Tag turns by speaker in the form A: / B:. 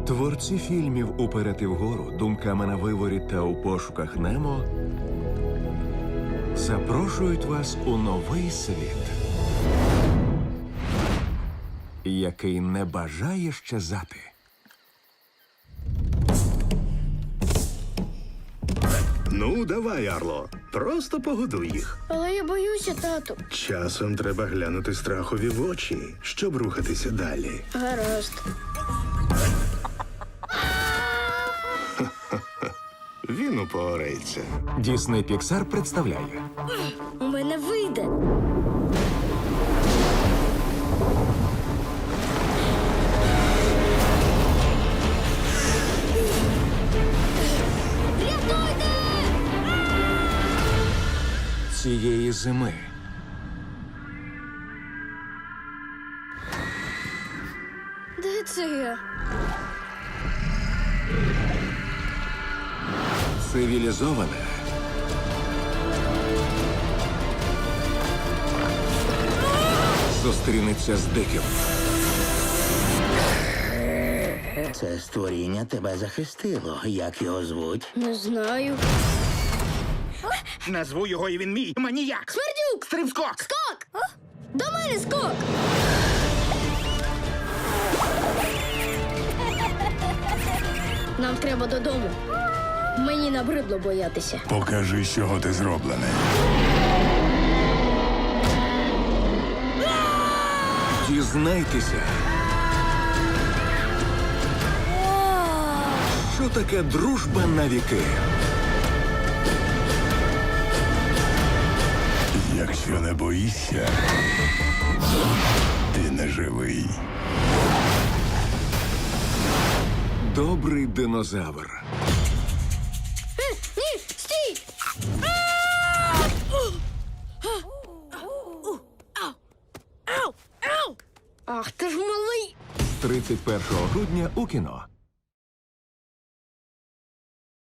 A: Творці фільмів «Уперед і вгору», «Думками на виворі» та «У пошуках Немо» запрошують вас у новий світ, який не бажає щезати.
B: Ну, давай, Арло. Просто погодуй їх.
C: Але я боюся, тату.
B: Часом треба глянути страхові в очі, щоб рухатися далі.
C: Гаразд.
B: Він упорається.
A: Дісней Піксар представляє
C: У мене вийде. Рятуйте!
A: цієї зими.
C: Де це я?
A: Цивілізоване зустрінеться з диким.
D: Це створіння тебе захистило. Як його звуть?
C: Не знаю.
E: Назву його, і він мій. Маніяк.
C: Смердюк!
E: Стрибскок.
C: Скок! До мене скок! Нам треба додому. Мені набридло боятися.
F: Покажи, з чого ти зроблений.
A: Дізнайтеся, що таке дружба на віки.
F: Якщо не боїшся, ти не живий.
A: Добрий динозавр.
C: Ні, стій! Ах, ти ж малий!
A: З 31 грудня у кіно.